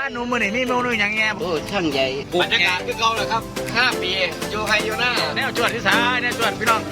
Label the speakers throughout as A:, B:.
A: หนูมือนี่มีเมนูอย่างเงี้ย
B: โอ้ช่างใหญ่
C: บรรยากาศคือเก่าเลยครับ5 ปีอยู่ไฮอยู่หน้า
A: แนวจวดที่สายแนวจวดพี่น้อง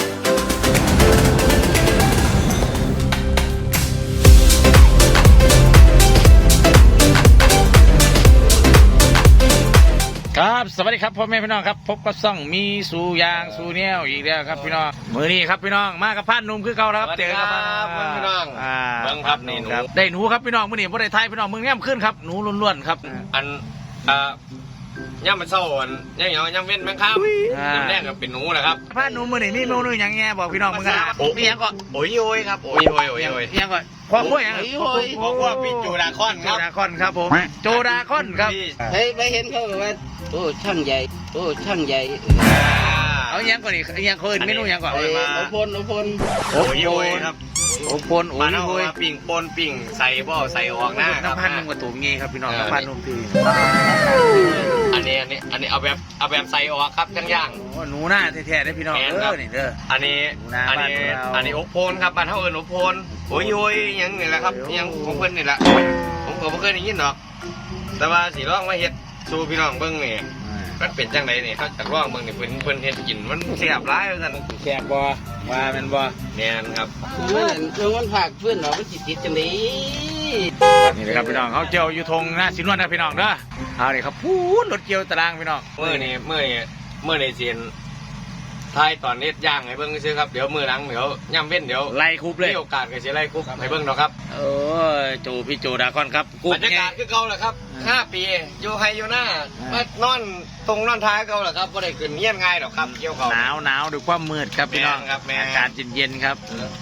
A: ครับสวัสดีครับพ่อแม่พี่น้องครับพบกับซ่องมีสู่ยางสู่แนวอีกแล้วครับพี่น้องมือนี้ครับพี่น้องมากับพานหนุ่มคือเก่าแล้วครับเจอกับ
C: พี่น้องเบิ่งครับนี่หนู
A: ได้หนูครับพี่น้องมือนี้บ่ได้ไทยพี่น้องมึงแง้มขึ้นครับหนูล้วนๆครับ
C: อันย่ำมันเศร้าอันย่ำเว้นแมงครับย่ำแรกก็เป็นหนูนะครับ
A: พานหนูมือนี้มีเมนูอย่างเงี้ยบอกพี่น้องมึงกันมีอย่างก่อน
C: โอ้ยครับโอ้ย
A: อย่างก่อนพ่อขั้วอย่าง
C: พ่อขั้วพี่จูดาคอนครับ
A: จูดาคอนครับผมจูดาคอนครับ
B: เฮ้ยไปเห็นเขาบอกว่าโอ้ช่างใหญ่โอ้ช่างใหญ่
A: เอาอย่างก่อนอีกอย่างคนเมนูอย่างก่อน
B: โอพล
C: โอ้ยครับ
A: โอ้พลโอ้ย
C: ปิ่งปนปิ่งใส่บ่ใส่ออกหน้าครับ
A: น้ำพันนุ่มกับตัวงี้ครับพี่น้องน้ำพันนุ่มพี่
C: อันนี้เอาแบบใส่ออกครับย่าง
A: หนูหน้าแท้ๆได้พี่น้องนี่เด้อ
C: อันนี้อบโพนครับบ้านเฮาเอิ้นอบโพนโอ้ยยังนี่แหละครับยังของเพิ่นนี่แหละผมก็บ่เคยได้ยินหรอกแต่ว่าสิลองมาเฮ็ดสู่พี่น้องเบิ่งนี่มันเป็นจังไดนี่เขาจะลองเบิ่งนี่เพิ่นเฮ็ดกินมันแซ่บหลายว่าซั่น
A: แซ่บบ่ว่าแม่นบ่
C: แม่นครับ
B: มันผักเพื่อนเรามันจิตจังนี้
A: นี่เลยครับพี่น้องเขาเจียวอยู่ทงหน้าสินวนนะพี่น้องเด้อเอานี่ครับพูดรถเจียวตารางพี่น้อง
C: เมื่อนี่เสียนท้ายตอนนี้ย่างให้เบิ้งซื้อครับเดี๋ยวมือหลังเดี๋ยวย่ำเว้นเดี๋ยว
A: ไล่คุบเลย
C: มีโอกาสก็จะไล่คุบให้เบิ้งเนาะครับ
A: โอ้จูพี่จูดาคอนครับ
C: บรรยากาศคือเก่าแหละครับ5 ปีอยู่ไฮอยู่หน้านอนตรงนอนท้ายเก่าแหละครับก็ได้ขึ้นเยี่ยนง่ายหรอกครับเกี่ยวเขา
A: หนาวดูความมืดครับพี่น้องอากาศเย็นๆครับ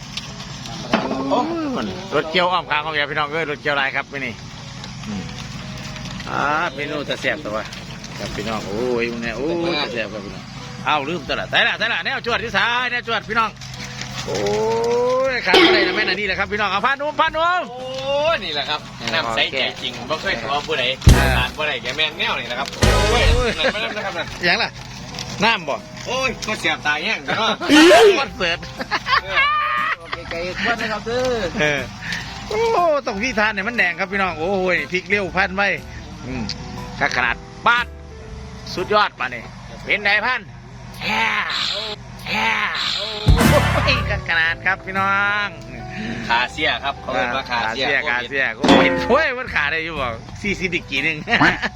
A: รถเจียวอ้อมค้างของพี่น้องรถเจียวลายครับไปนี่เมนูจะแซ่บตัวครับพี่น้องโอ้ยเนี่ยโอ้จะแซ่บครับพี่น้องเอาลืมตลอดแต่ละแนวจวดที่สายแนวจวดพี่น้องโอ้ยขาดอะไรนะแม่น่ะนี่แหละครับพี่น้องเอาพานุ่ม
C: โอ้นี่แหละครับน้ำใสใจจริงไม่เคยตัวผู้ใดขาดผู้ใดแกแม่นแนวนี่นะครับโอ้ยนั่นนะครับนั่น
A: อย่างล่ะน้ำบ่
C: โอ้ยก็เสียบตายแห้งเนาะ
A: วัดเสิร์ต
B: ไก่ควันนะครับ
A: โอ้ต้องพี่ทานเนี่ยมันแดงครับพี่น้องโอ้ยพริกเลี้ยวพันไว้ขนาดบาดสุดยอดมาเนี่ยเป็นไงพันแฮ่ขนาดครับพี่น้อง
C: ขาเสียครับเขาเรียกว่าขาเสีย
A: ก็เป็นถ้วยมันขาได้อยู่บอก40ดิกี่นึง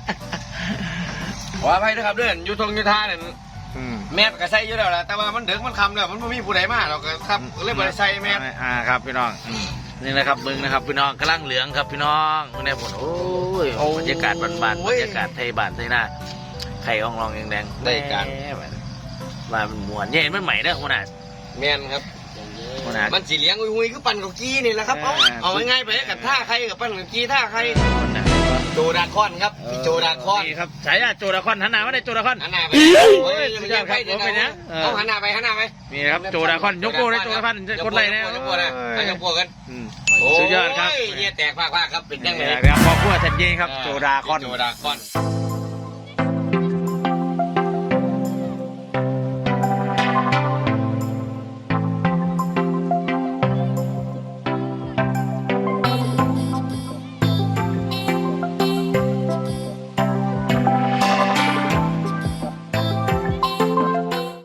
C: ขออภัยด้วยครับเรื่องยุทงยุทธาเนี่ยแม่ก็ใส่อยู่แล้วแหละแต่ว่ามันเดือดมันคำแล้วมันไม่มีผู้ใดมาหรอกครับเลยบริใส่แม่
A: ครับพี่น้องนี่นะครับมึงนะครับพี่น้องกำลังเหลืองครับพี่น้องมึงได้ผลโอ้ยบรรยากาศบ้านๆบรรยากาศไทยบ้านไทยหน้าไข่อ่องรองแดง
C: ได้การ
A: ว่ามันม้วนเนี่ยมันใหม่เด้อคนน่ะ
C: แม่นครับมันสีเหลี้ยงหุยคือปั่นกับกี้นี่แหละครับเอาง่ายๆไปกับท่าใครกับปั่นกับกี้ท่าใครโจดาคอนครับโจดาคอน
A: ครับใช่โจดาคอนหันหน้าไม่ได้โจดาคอน
C: หันหน้าไปยังใครจะไปนะเอาหันหน้าไป
A: นี่ครับโจดาคอนยกโป้ได้โจดาคอนคนไรเนี่ย
C: ยกโป้นะยกโป้กัน
A: สุดยอดครับ
C: เนี่ยแตกภาคครับเป็นยังไง
A: ครับพอพูดทันยีครับโจดาคอน